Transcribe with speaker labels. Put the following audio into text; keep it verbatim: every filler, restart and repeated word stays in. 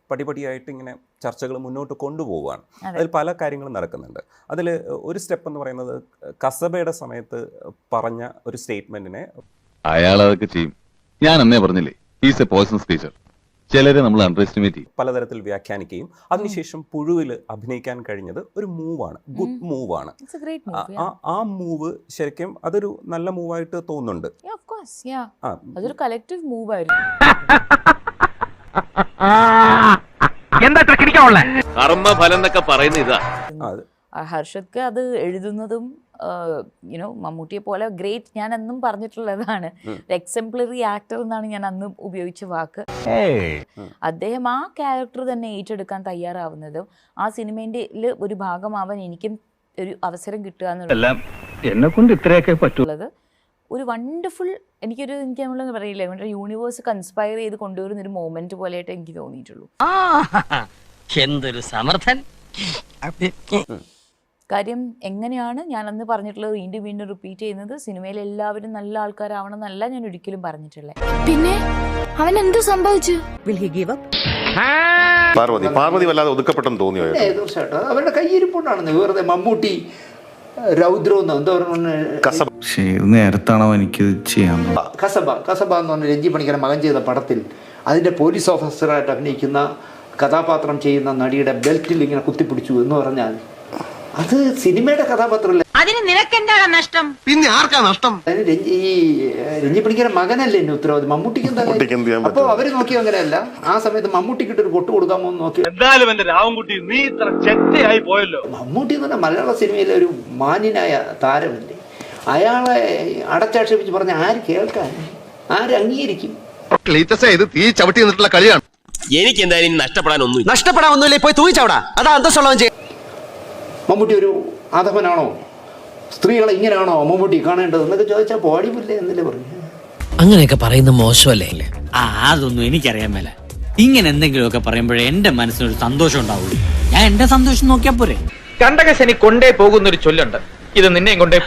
Speaker 1: പടിപടിയായിട്ട് ഇങ്ങനെ ചർച്ചകൾ മുന്നോട്ട് കൊണ്ടുപോവുകയാണ്. അതിൽ പല കാര്യങ്ങളും നടക്കുന്നുണ്ട്. അതിൽ ഒരു സ്റ്റെപ്പ് എന്ന് പറയുന്നത് കസബയുടെ സമയത്ത് പറഞ്ഞ ഒരു സ്റ്റേറ്റ്മെന്റിനെ
Speaker 2: അയാൾ അതൊക്കെ ചെയ്യും. ഞാൻ അന്നേ പറഞ്ഞില്ലേ, ഈസ് എ പോയ്സൺ സ്പീച്ചർ. ചിലരെ നമ്മൾ അണ്ടർ എസ്റ്റിമേറ്റ് ചെയ്യും,
Speaker 1: പലതരത്തിൽ വ്യാഖ്യാനിക്കുകയും അതിനുശേഷം പുഴുവിൽ അഭിനയിക്കാൻ കഴിഞ്ഞത് ഒരു മൂവാണ്, ഗുഡ് മൂവാണ്. ആ മൂവ് ശരിക്കും അതൊരു നല്ല മൂവായിട്ട് തോന്നുന്നുണ്ട്.
Speaker 3: അതൊരു കളക്റ്റീവ് മൂവ് ആയിരുന്നു.
Speaker 2: കർമ്മഫലം എന്നൊക്കെ പറയുന്ന ഇതാ.
Speaker 3: ഹർഷദ്ക്ക് അത് എഴുതുന്നതും യുനോ മമ്മൂട്ടിയെ പോലെ ഗ്രേറ്റ്, ഞാൻ അന്നും പറഞ്ഞിട്ടുള്ളതാണ്, എക്സംപ്ലറി ആക്ടർ എന്നാണ് ഞാൻ അന്ന് ഉപയോഗിച്ച വാക്ക്. അദ്ദേഹം ആ ക്യാരക്ടർ തന്നെ ഏറ്റെടുക്കാൻ തയ്യാറാവുന്നതും ആ സിനിമേന്റെ ഒരു ഭാഗമാവാൻ എനിക്കും ഒരു അവസരം കിട്ടുക എന്നുള്ളത്
Speaker 4: എന്നെ കൊണ്ട് ഇത്രയൊക്കെ പറ്റുള്ളത്
Speaker 3: ഒരു വണ്ടർഫുൾ, എനിക്കൊരു എനിക്ക് നമ്മളെന്ന് പറയില്ല, നമ്മുടെ യൂണിവേഴ്സ് കൺസ്പയർ ചെയ്ത് കൊണ്ടുവരുന്ന ഒരു മൊമെന്റ് പോലെയായിട്ട് എനിക്ക് തോന്നിയിട്ടുള്ളൂ.
Speaker 5: എന്തൊരു സമർത്ഥൻ.
Speaker 3: കാര്യം എങ്ങനെയാണ് ഞാൻ അന്ന് പറഞ്ഞിട്ടുള്ളത് വീണ്ടും വീണ്ടും റിപ്പീറ്റ് ചെയ്യുന്നത്, സിനിമയിൽ എല്ലാവരും നല്ല ആൾക്കാരാവണം എന്നല്ല ഞാൻ ഒരിക്കലും പറഞ്ഞിട്ടുള്ളത്.
Speaker 6: പിന്നെ അവൻ എന്ത് സംഭവിച്ചു?
Speaker 7: പാർവതി പാർവതി വല്ലാതെ ഒതുക്കപ്പെട്ടെന്ന് തോന്നിയോ?
Speaker 8: തീർച്ചയായിട്ടും അവരുടെ കയ്യിരിപ്പുണ്ടാണെന്ന്. വെറുതെ മമ്മൂട്ടി രൗദ്രം എന്താ പറയുക,
Speaker 4: നേരത്താണോ എനിക്ക് ചെയ്യാൻ
Speaker 8: കസബ കസബ എന്ന് പറഞ്ഞ രഞ്ജി പണിക്കര മകൻ ചെയ്ത പടത്തിൽ അതിന്റെ പോലീസ് ഓഫീസറായിട്ട് അഭിനയിക്കുന്ന കഥാപാത്രം ചെയ്യുന്ന നടിയുടെ ബെൽറ്റിൽ ഇങ്ങനെ കുത്തിപ്പിടിച്ചു എന്ന് പറഞ്ഞാൽ അത് സിനിമയുടെ കഥാപാത്രമല്ല.
Speaker 6: അതിന് നിനക്കെന്താണ് നഷ്ടം?
Speaker 7: പിന്നെ ആർക്കാ നഷ്ടം?
Speaker 8: ഈ രഞ്ജി പണിക്കര മകനല്ലേ എന്നെ ഉത്തരവാദി, മമ്മൂട്ടിക്ക് എന്താ? അപ്പൊ അവര് നോക്കിയോ അങ്ങനെയല്ല, ആ സമയത്ത് മമ്മൂട്ടിക്ക് ഒരു കൊട്ട് കൊടുക്കാമോ എന്ന് നോക്കി.
Speaker 4: എന്തായാലും എന്റെ രാവൻകുട്ടി നീ ഇത്ര ചെറ്റയായി പോയല്ലോ.
Speaker 8: മമ്മൂട്ടി എന്ന് പറഞ്ഞാൽ മലയാള സിനിമയിലെ ഒരു മാന്യനായ താരമല്ലേ, അയാളെ അടച്ചാക്ഷേപിച്ച് പറഞ്ഞ ആര് കേൾക്കാൻ, ആര് അംഗീകരിക്കും?
Speaker 7: ഇത് തീ ചവിട്ടി നിന്നിട്ടുള്ള കളിയാണ്.
Speaker 5: എനിക്ക് എന്തായാലും നഷ്ടപ്പെടാനൊന്നും
Speaker 9: നഷ്ടപ്പെടാൻ ഒന്നുമില്ല, പോയി തൂങ്ങിച്ചവിടാ, അതാ അന്തസ്സുള്ളവൻ ചെയ്യും.
Speaker 8: മമ്മൂട്ടി ഒരു ആധവനാണോ, സ്ത്രീകളെ ഇങ്ങനെയാണോ മമ്മൂട്ടി കാണേണ്ടത് എന്നൊക്കെ ചോദിച്ചാൽ പാടിപ്പില്ലേ എന്നല്ലേ പറഞ്ഞു.
Speaker 5: അങ്ങനെയൊക്കെ പറയുന്ന മോശമല്ലേ?
Speaker 9: ആ അതൊന്നും എനിക്കറിയാൻ മേല. ഇങ്ങനെ എന്തെങ്കിലുമൊക്കെ പറയുമ്പോഴേ എന്റെ മനസ്സിനൊരു സന്തോഷം ഉണ്ടാവുള്ളൂ. ഞാൻ എന്റെ സന്തോഷം നോക്കിയാ പോരെ.
Speaker 4: കണ്ടകശനി കൊണ്ടേ പോകുന്നൊരു ചൊല്ലുണ്ട്, ഇത് നിന്നെയും കൊണ്ടേ